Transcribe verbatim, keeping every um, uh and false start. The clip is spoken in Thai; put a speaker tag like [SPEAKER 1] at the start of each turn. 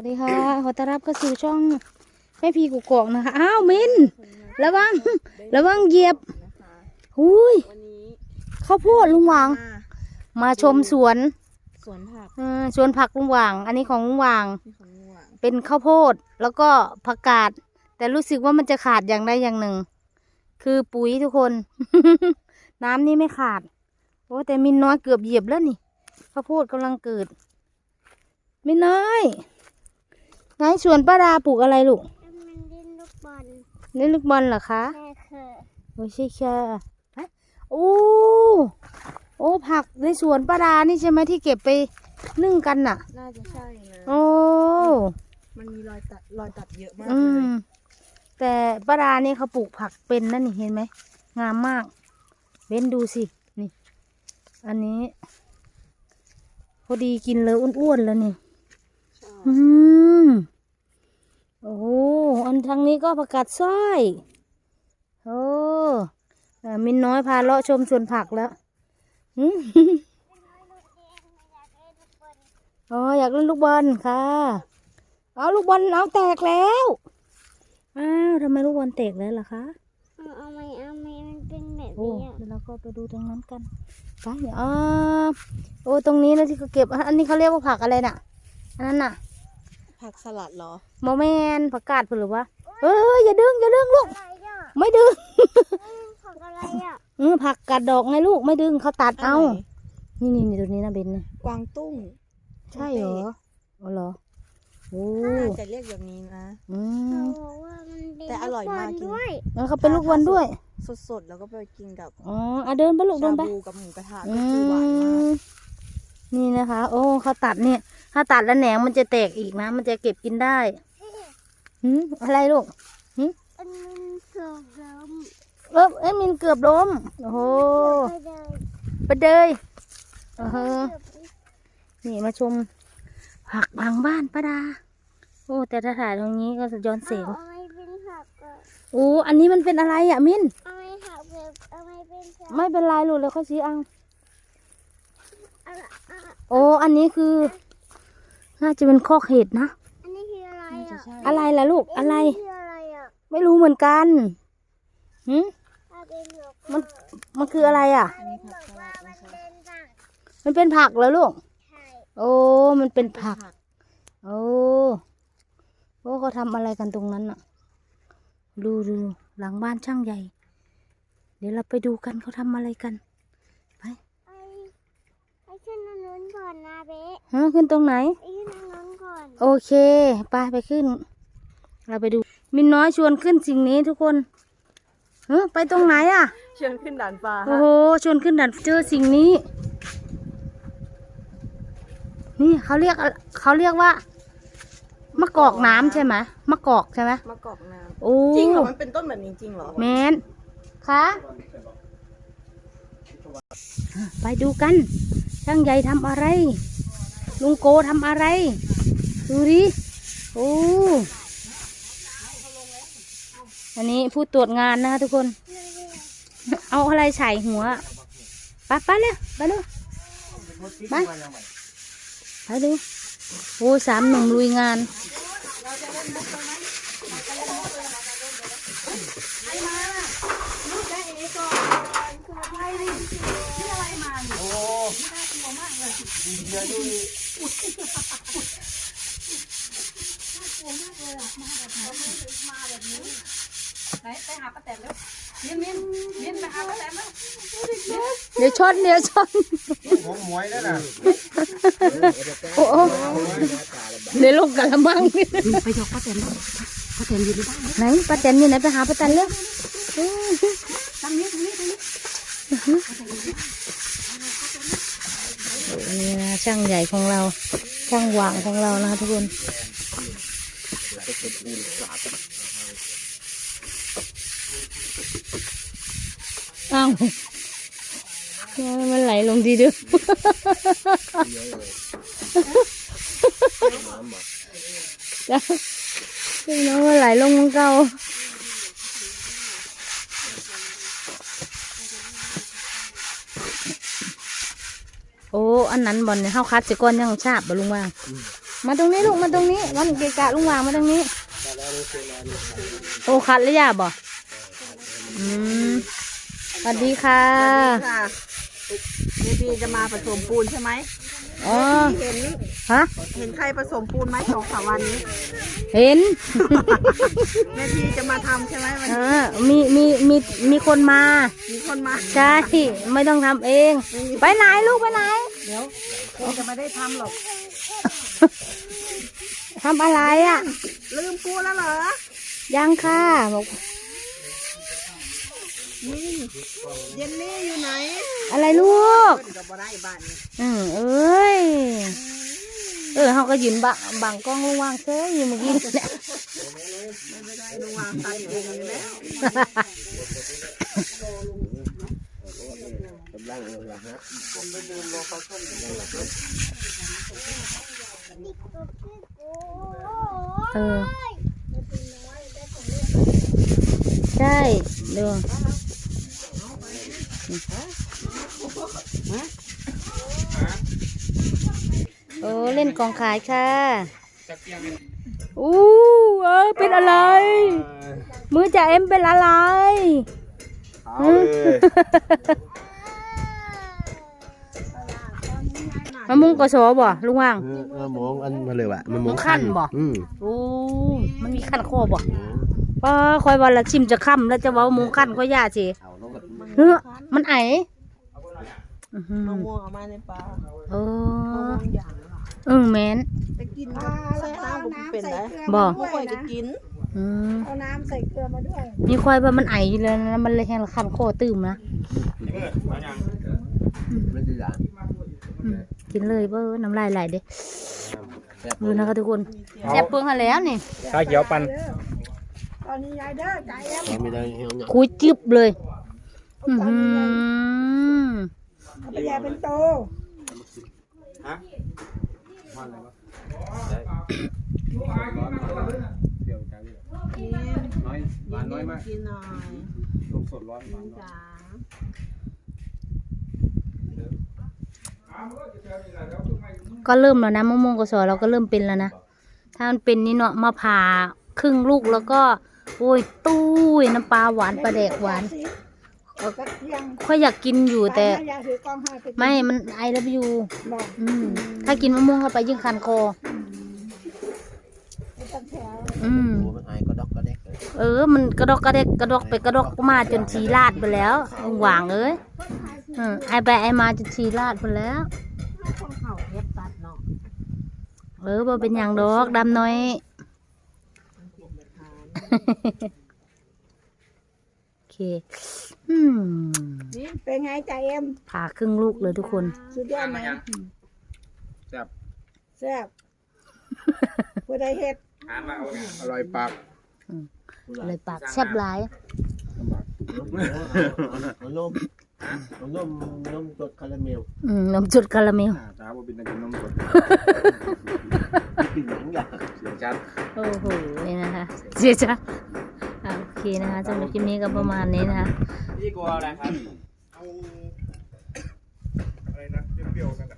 [SPEAKER 1] วัสดีค่ะขอต้อนรับเข้าสู่ช่องแม่พีกุกกอกนะคะอ้าวมินระวังระวังเหยียบหุยข้าวโพดลุงหว่างมาชมสวน
[SPEAKER 2] สวนผัก
[SPEAKER 1] สวนผักลุงหว่างอันนี้ของลุงหว่างเป็นข้าวโพดแล้วก็ผักกาดแต่รู้สึกว่ามันจะขาดอย่างใดอย่างหนึ่งคือปุ๋ยทุกคน น้ำนี่ไม่ขาดโอ้แต่มินน้อยเกือบเหยียบแล้วนี่ข้าวโพดกำลังเกิดมินน้อยไงสวนป้าดาปลูกอะไรลูก
[SPEAKER 3] มันเล่นลูกบอล
[SPEAKER 1] เล่นลูกบอลเหรอคะ
[SPEAKER 3] ใช่ค่ะ
[SPEAKER 1] โอ้ใช่ค่ะโอ้โอ้ผักในสวนป้าดานี่ใช่ไหมที่เก็บไปนึ่งกันน่ะ
[SPEAKER 2] น่าจะใช่นะ
[SPEAKER 1] โอ้
[SPEAKER 2] มันมีรอยตัดรอยตัดเยอะมาก
[SPEAKER 1] อื
[SPEAKER 2] เลย
[SPEAKER 1] มแต่ป้าดานี่เขาปลูกผักเป็นนั่นนี่เห็นไหมงามมากเว้นดูสินี่อันนี้พอดีกินเลยอ้วนๆแล้วนี่อืมโอ้อันทางนี้ก็ผักกาดสร้อยโอ้มินน้อยพาเลาะชมสวนผักแล้วอ๋ออยากเล่นลูกบอลค่ะเอาลูกบอลเอาแตกแล้วอ้าวทำไมลูกบอลแตกแล้วล่ะคะ
[SPEAKER 3] เอาไหมเอาไหมมันเป็นแบบ
[SPEAKER 1] โอ้
[SPEAKER 3] นี้
[SPEAKER 1] เดี๋ยวเราก็ไปดูตรงนั้นกันไปเดี๋ยวอ๋อโอ้ตรงนี้นะที่เขาเก็บอันนี้เขาเรียกว่าผักอะไรน่ะอันนั้นน่ะ
[SPEAKER 2] ผักสลัดเหรอ
[SPEAKER 1] โมเมนผักกาดหรือวะเอ้ยอย่าดึงอย่าดึงลูกไม่ดึง
[SPEAKER 3] ผักอะไรอ่ะ
[SPEAKER 1] เออผักกาดดอกไงลูกไม่ดึงเขาตัดเอานี่นี่นี่ตัวนี้นะเบนเนี่ย
[SPEAKER 2] กวางตุ้ง
[SPEAKER 1] ใช่เหรออ๋อเหรอโอ้
[SPEAKER 2] จะเรียกแบบนี้นะ
[SPEAKER 1] อืม
[SPEAKER 2] แต่อร่อยมากกิน
[SPEAKER 1] แล้วเขาเป็นลูกบอลด้วย
[SPEAKER 2] สดๆแล้วก็ไปกินกับ
[SPEAKER 1] อ๋ออ่ะเดินไปลูกเดินไป
[SPEAKER 2] ชาบูกับหมูกระทะก็คือหวานมาก
[SPEAKER 1] นี่นะคะโอ้เขาตัดเนี่ยถ้าตัดแล้วแหนงมันจะแตกอีกนะมันจะเก็บกินได้หืมอะไรลูกหืม
[SPEAKER 3] อันมันเกือบล้ม
[SPEAKER 1] เออเอ้มินเกือบล้มโอ้โหไปเดยเออนี่มาชมผักหลังบ้านป้าดาโอ้แต่ถ้าถ่ายตรงนี้ก็จะย้อนเสียงโอ้อันนี้มันเป็นอะไรอ่ะมินไม่เป็นไรลูกแล้วเขาชี้เอาโอ้อันนี้คือน่าจะเป็นข้อเห็ดนะ
[SPEAKER 3] อันนี้คืออะไรอ่ะ
[SPEAKER 1] อะไรล่ะลูกอะไรไม่รู้เหมือนกันหืมมันมันคืออะไรอ่ะมันเป็นผักเหรอลูกโอ้มันเป็นผักโอ้โอ้เขาทำอะไรกันตรงนั้นอ่ะดูดูหลังบ้านช่างใหญ่เดี๋ยวเราไปดูกันเขาทำอะไรกันไป
[SPEAKER 3] ไปขึ้นตรงนู้นก่อนนะเบ๊
[SPEAKER 1] ฮะขึ้นตรงไหน
[SPEAKER 3] ไปขึ้นตรงนู้นก่อน
[SPEAKER 1] โอเคไปไปขึ้นเราไปดูมินน้อยชวนขึ้นสิ่งนี้ทุกคนเฮ้ไปตรงไหนอ่ะ
[SPEAKER 2] ชวนขึ้นด่านฟ้า
[SPEAKER 1] โอ้โหชวนขึ้นด่านเจอสิ่งนี้นี่เขาเรียกเขาเรียกว่ามะกอกน้ำใช่ไหมมะกอกใช่ไหม
[SPEAKER 2] มะกอกน้ำ
[SPEAKER 1] โอ้
[SPEAKER 2] จริงเหรอมันเป็นต้นแบบนี้จริงเหรอ
[SPEAKER 1] แมนคะไปดูกันช่างใหญ่ทำอะไรลุงโกทำอะไรดูดิโอ้อันนี้ผู้ตรวจงานนะคะทุกคนเอาอะไรใส่หัวไปไปเลยไปเลยไปไปดูโอ้สามหนุ่มลุยงาน
[SPEAKER 2] ไหนไปหาป้าแตนแล้วมินมินมินไปหาป้าแตนแล้ว
[SPEAKER 1] เดี๋ยวชนเดี๋ยวชน
[SPEAKER 4] ของหมวยแล้วนะ
[SPEAKER 1] โอ้เดี๋ยวลงกะละมัง
[SPEAKER 2] ไปยกป้าแตนป้าแตนอยู่ในบ้าน
[SPEAKER 1] ไหนป้าแตนอยู่ไหนไปหาป้าแตนเร็ว
[SPEAKER 2] ทางนี้ทางนี้ทางนี้
[SPEAKER 1] นี่นะช่างใหญ่ของเราช่างหว่างของเรานะทุกคนอ้าวมันไหลลงดีด้วยจ้าพี่น้องมันไหลลงมันเก่าโอ้อันนั้นบอลเนี่ยเข้าคัดสิก้อนยังชาบบ่ลุงว่ามาตรงนี้ลูกมาตรงนี้มันเกะกะลุงวางมาตรงนี้โอ้คัดแล้วย่าบ่อืมสวัสดีค่ะ
[SPEAKER 2] ค่ะเดี๋ยวพี่จะมาผสมปูนใช่ไหม
[SPEAKER 1] อ๋อ
[SPEAKER 2] เห็น
[SPEAKER 1] ฮะ
[SPEAKER 2] เห็นใครผสมปูนไหมสองสามวันนี้
[SPEAKER 1] เห็น
[SPEAKER 2] แม่พี่จะมาทำใช่ไหมวัน
[SPEAKER 1] เอ
[SPEAKER 2] นี้
[SPEAKER 1] อมีมีมีมีคนมา
[SPEAKER 2] มีคนมา
[SPEAKER 1] ใช่ไม่ต้องทำเอง ไปไหนลูกไปไหน
[SPEAKER 2] เดี๋ยวคงจะไม่ได้ทำหรอก
[SPEAKER 1] ทำอะไรอ่ะ
[SPEAKER 2] ลืมปูแล้วเหรอ
[SPEAKER 1] ยังค่ะบอก
[SPEAKER 2] นี่เย็นนี่อยู่ไหน
[SPEAKER 1] อะไรลูก
[SPEAKER 2] เพิ่นก็บ่ได้บ้านนี้
[SPEAKER 1] อืมเอ้ยเออเขาก็ยืนบังบังกล้องลุงวางเซ่อยู่เมื่อกี้เนี่ย
[SPEAKER 2] ไม่ได้ลุงวางตัดเองอยู่แล้ว
[SPEAKER 4] กำลังเลยนะฮะ
[SPEAKER 1] เออใช่เดี๋ยวโอ้เล่นกองขายค่ะอู้เออเป็นอะไร มือจ่าเอ็มเป็นอะไร
[SPEAKER 4] เอาเลย
[SPEAKER 1] มะม่วงกสอบ่ลุงว่าง
[SPEAKER 4] มะม่วงอันมาเลยวะมะม่วง
[SPEAKER 1] ขั้นบ่
[SPEAKER 4] อืม
[SPEAKER 1] โอ้มันมีขั้นข้อบ่ป้าคอยวันละชิมจะค่ำแล้วจะเว้ามงขั้นก็ย่าสิ
[SPEAKER 4] เอาลงกับ
[SPEAKER 1] เฮ้อมันไออื้อหือ
[SPEAKER 2] มะม่วงเอามาในปลา
[SPEAKER 1] เอ
[SPEAKER 2] มะ
[SPEAKER 1] อ
[SPEAKER 2] ม่วงอย่างละ
[SPEAKER 1] เออแมน
[SPEAKER 2] จะกินก็ใส่น้ำก็เป็นได้
[SPEAKER 1] บ่
[SPEAKER 2] ไม่ค่อยจะกิน
[SPEAKER 1] อืม
[SPEAKER 2] เอาน้ำใส่เกลือมาด้วย
[SPEAKER 1] มีควายว่ามันไออยู่แล้วนะมันเลยแห้งละขั้นข้อตื่มนะ
[SPEAKER 4] มันจะอย่าง
[SPEAKER 1] อืมกินเลยเบ้อน้ำลายไหลเด้ดูนะคะทุกคนแซ่บเปลืองหันแล้วนี่
[SPEAKER 5] ชาเขียวปั่น
[SPEAKER 2] ตอนนี้ยายเด้อใจเอ็ม
[SPEAKER 4] ไม่ได้เหี่ยวเนี่ย
[SPEAKER 1] คุยจิบเลยอือหือ
[SPEAKER 2] เอาไปยายเป็นโต
[SPEAKER 5] เดี๋ยวจ้าพี่น้อยหวานน้อยมาก
[SPEAKER 2] กินหน่อย
[SPEAKER 5] ลงสดร้อนหวาน
[SPEAKER 2] จ้า
[SPEAKER 1] ก็เริ่มแล้วนะมะม่วงกสอเราก็เริ่มเป็นแล้วนะถ้ามันเป็นนี่เนาะมาผ่าครึ่งลูกแล้วก็โอ้ยตู้ยน้ำปลาหวานปลาแดกหวาน
[SPEAKER 2] ก็เที่ยง
[SPEAKER 1] ค่อยอยากกินอยู่แต่
[SPEAKER 2] ยายถือกล้องให้ไป
[SPEAKER 1] ไม่มันไอแล้วอยู่
[SPEAKER 2] บอก
[SPEAKER 1] อืมถ้ากินมะม่วงเข้าไปยิ่งคันคอ
[SPEAKER 2] ไม่ต้องแถว
[SPEAKER 1] อืม
[SPEAKER 4] โอ้มันไอก็ดอกก็เด็กเลย
[SPEAKER 1] เออ มันกระดอกกระเดกกระดอกไปกระดอกมาจนชีลาดไปแล้วหวางเอ้ยอืมไอไปไอมาจนชีลาดไปแล้ว
[SPEAKER 2] คนเข่าเย็บตัดเนาะ
[SPEAKER 1] เออบ่เป็นอย่างดอกดำน้อย โอเค อืม
[SPEAKER 2] นี่เป็นไงใจเอ็ม
[SPEAKER 1] ผ่าครึ่งลูกเลยทุกคน
[SPEAKER 2] สุดยอดไหม
[SPEAKER 5] แซ่บ
[SPEAKER 2] แซ่บผู้ใดเฮ็ด
[SPEAKER 5] ทานมาเอาอร่อยปาก
[SPEAKER 1] เลยปากแซ่บหลาย
[SPEAKER 4] เอานมเอานมนมจดคาราเมล
[SPEAKER 1] อืมนมจุดคาราเมล
[SPEAKER 5] ตาบ่เป็นตะกินนมสด
[SPEAKER 4] กินหนังอย่าง
[SPEAKER 5] เสียงชัด
[SPEAKER 1] โอ้โหนี่นะคะเสียจ้ะอ่ะโอเคนะคะสำหรับคลิปนี้ก็ประมาณนี้นะคะ
[SPEAKER 5] พี่กลัวอะไรครับ
[SPEAKER 4] เอา
[SPEAKER 5] อะไรนะเปรี้ยวๆกัน